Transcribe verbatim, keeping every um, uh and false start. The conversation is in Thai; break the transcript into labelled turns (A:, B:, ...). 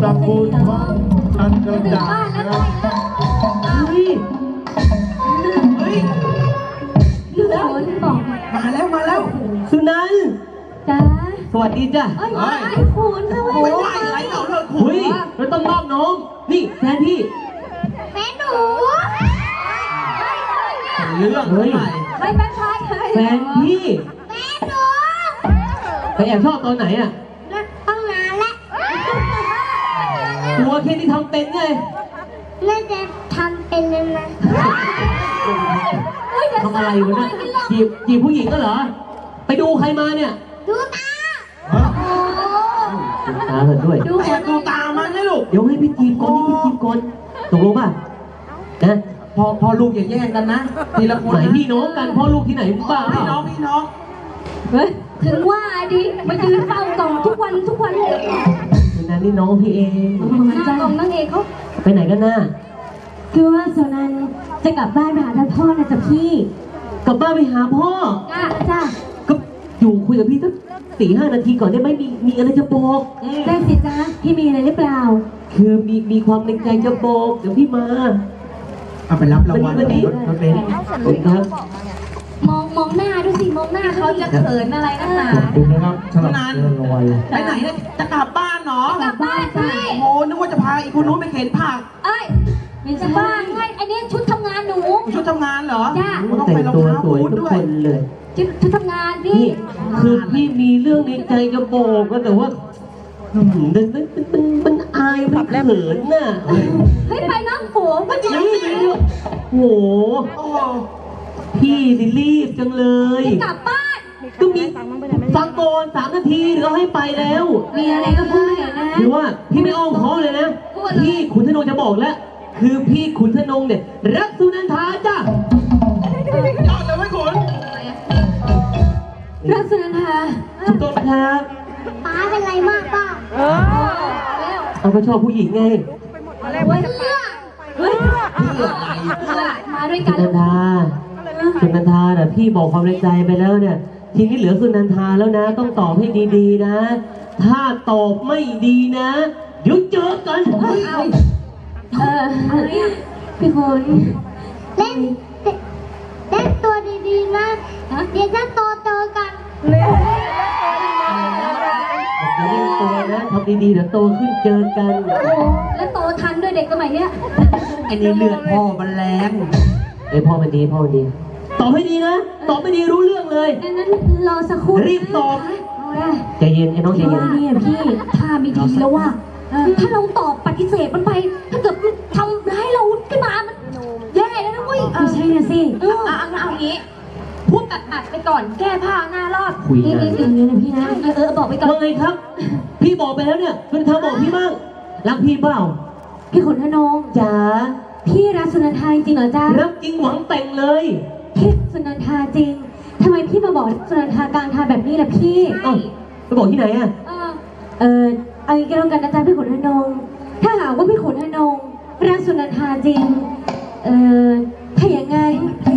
A: ระกูลของอันเดินดานะครับเฮ้ยเฮ้ย
B: พี่ฝนบอก
A: มาแล้วมาแล้ว
C: สุนันท์
B: จ้า
C: สวัสดีจ้ะ
B: เอ้ยไอ้คุณทำไม
A: ไม่ไหวอะไรเราเลิกคุ
C: เฮ้
A: ย
C: ยเราต้องมอบน้อง นี่แฟนพี่
B: แม่หนู
A: เรื่อง
C: เฮ้ย
B: ไม่เป็นไร
C: แฟนพี่
B: แม่หนู
C: ไปแอบชอบตอนไหนอ่ะ
B: ตั้งนานแล้ว
C: ตัวแค่นี้ทำเป็นไง
B: แม่จะทำเป็นยังไง
C: ทำอะไรวะเนี่ยจีบจีบผู้หญิงก็เหรอ ไปดูใครมาเนี่ย
B: ดูตา
A: ฮะ
B: โอ้
C: ดูตาเถอะด้วย
B: ดู
A: แอบดูตามันนะลูก
C: เดี๋ยวให้พี่จีบก่อนนี่พี่จีบก่อนตกลงป่ะนะ
A: พอพอลูกอย่าแย่งกันนะทีละคน
C: ไหน
A: นะ
C: พี่น้องกันพ่อลูกที่ไหนบ้า
A: พี่น้องพี่น้อง
B: เฮ้ยถึงว่าดิมายืนเฝ้ากล่องทุกวันทุกวันเลย
C: สุนันท์นี่น้องพี่เอง
B: หน้ากล่องนั่งเองเขา
C: ไปไหนกันน่ะ
B: คือว่าโซนันจะกลับบ้านไปหาท่านพ่อนะจ๊ะพี่
C: กลับบ้านไปหาพ่อ
B: จ้าจ้า
C: ก็อยู่คุยกับพี่สักสี่ห้านาทีก่อนได้ไหมมีมีอะไรจะบอก
B: ได้สิจ้าพี่มีอะไรหรือเปล่า
C: คือมีมีความในใจจะบอกเดี๋ยวพี่มา
A: เอาไปรับรางวัล
C: วันนี้
A: รถรถเบนซ์
C: ขอบคุณครับ
B: มองมองหน้าดูสิมองหน้าเขาจะเขินอะไรนักหนา
A: ขอบคุณนะครับสำหรับ
C: เงินรางวัล
A: ไปไหนเนี่ยจะกลับบ้านเนาะ
B: กลับบ้านพี่
A: โอ้นึกว่าจะพาอีกคนนู้นไปเข็นผัก
B: เอ้ยเป็นจะบ้านไงอันนี้ชุดทำงานหนู
A: ชุดทำงานเหรอ
B: จ้ะ
A: ต้อง
C: แต่
A: ไป
C: ง
A: รอง
C: ตัว
A: เท้า
C: สวย
A: บูท
C: ทุก
A: ด้ว
C: ค
A: ย
C: นเลย
B: ชุดชุดทำงานพี่
C: นี่คือพี่มีเรื่องในใจจะบอกก็แต่ว่าอืมมันมันมันมันอายมันเขินน่ะ
B: เฮ้ยไปน้องโขงไป
C: นี่โห
A: โอ้โห
C: พี่ดิรีบจังเลย
B: จะกลับบ้าน
C: ก็มีฟังก่อนสามนาทีเดี๋ยวให้ไปแล้ว
B: มีอะไรก็พูดเถอะนะ
C: คือว่าพี่ไม่อ้อมค้อมเลยนะ
B: พูดเลย
C: พี่ขุนธนงจะบอกแล้ว คือพี่ขุนธนงเนี่ยรักสุนันทาจ้ะ
A: ยอดเลยไว้ขุน
B: รักสุนันทา
C: ถูกต้องครับ
B: ป้าเป็นไรมากป้าเออแล้ว
C: เอาก็ชอบผู้หญิงไง
B: อะไรวะเพื่อเฮ้ยเพื่อมาด้วย
C: สุ
B: กัน
C: นันทาสุนันทาแต่พี่บอกความในใจไปแล้วเนี่ย ทีนี้เหลือสุนันทาแล้วนะ ต้องตอบให้ดีๆนะ ถ้าตอบไม่ดีนะเดี๋ยวเจอกัน
B: เออพี่คนเล่นเล่นตัวดีๆนะเดี๋ยวจะโตเจอกัน
C: อย่าเล่นตัวนะทำดีๆเดี๋ยวโตขึ้นเจอกัน
B: แล้วโตทันด้วยเด็กสมัยเนี้ย
A: ไอ้นี่เลือดพ่อมันแรง
C: ไอยพ่อมันดีพ่อมันดีตอบให้ดีนะตอบไม่ดีรู้เรื่องเลย
B: ดังนั้นรอสักครู่
C: รีบตอบ ใจเย็นไอ้น้องใจ
B: พี่
C: เย็น
B: ว่าเนี่ยพี่ถ้าไม่ดีแล้วว่าถ้าเราตอบปฏิเสธมันไป ถ้าเกิดมันทำร้ายเราขึ้นมามันแย่แล้วนะเว้ยไม่ใช่นะสิเออเอาเอาอย่างนี้พูดตัดตัดไปก่อนแก้ผ้าหน้ารอด
C: คุย
B: นี่
C: นะ
B: นี่นี่นะพี่นะเออเออบอกไปก่อน
C: ว่าไงครับ พี่บอกไปแล้วเนี่ยคุณทาบอกพี่บ้างรักพี่เปล่า
B: พี่ขนทนง
C: จ๋า
B: พี่รักสุนันทาจริงเหรอจ๊ะ
C: รักจริงหวังแต่งเลย
B: พี่สุนันทาจริงทำไมพี่มาบอกสุนันทากลางทางแบบนี้ล่ะพี่
C: เอ้าไปบอกที่ไหนอ่ะ
B: เออเออเอาอย่างนี้ก็แล้วกันนะจ๊ะพี่ขนทนงถ้าหากว่าพี่ขนทนงรักสุนันทาจริงเออถ้าอย่างงั้นพ